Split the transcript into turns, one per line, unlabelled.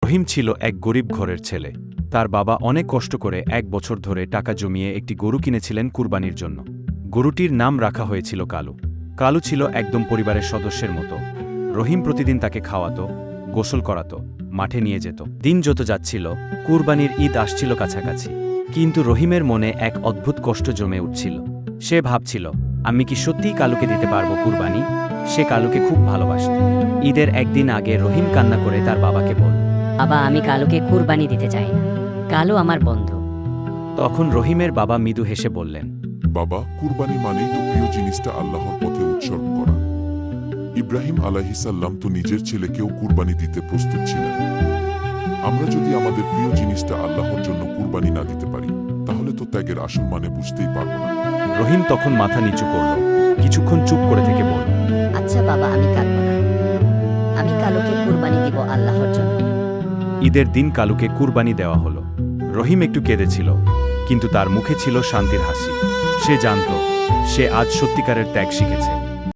রহিম ছিল এক গরিব ঘরের ছেলে। তার বাবা অনেক কষ্ট করে 1 বছর ধরে টাকা জমিয়ে একটি গরু কিনেছিলেন কুরবানির জন্য। গরুটির নাম রাখা হয়েছিল কালু। কালু ছিল একদম পরিবারের সদস্যের মতো। রহিম প্রতিদিন তাকে খাওয়াতো, গোসল করাতো, মাঠে নিয়ে যেত। দিন যত যাচ্ছিল, কুরবানির ঈদ আসছিল কাছাকাছি। কিন্তু রহিমের মনে এক অদ্ভুত কষ্ট জমে উঠছিল। সে ভাবছিল, আমি কি সত্যিই কালুকে দিতে পারবো কুরবানি? সে কালুকে খুব ভালোবাসত। ঈদের একদিন আগে রহিম কান্না করে তার বাবাকে বলল,
বাবা, আমি কালুকে কুরবানি দিতে চাই না। কালু আমার বন্ধু।
তখন রহিমের বাবা মৃদু হেসে বললেন,
বাবা, কুরবানি মানেই তো প্রিয় জিনিসটা আল্লাহর পথে উৎসর্গ করা। ইব্রাহিম আলাইহিসাল্লাম তো নিজের ছেলেকেও কুরবানি দিতে প্রস্তুত ছিলেন। আমরা যদি আমাদের প্রিয় জিনিসটা আল্লাহর জন্য কুরবানি না দিতে পারি, তাহলে তো ত্যাগের আসল মানে বুঝতেই পারব না।
রহিম তখন মাথা নিচু করল, কিছুক্ষণ চুপ করে থেকে বলল,
আচ্ছা বাবা, আমি কাঁদব না। আমি কালুকে কুরবানি দিব আল্লাহর জন্য।
ঈদের দিন কালুকে কুরবানি দেওয়া হলো। রহিম একটু কেঁদেছিল, কিন্তু তার মুখে ছিল শান্তির হাসি। সে জানত, সে আজ সত্যিকারের ত্যাগ শিখেছে।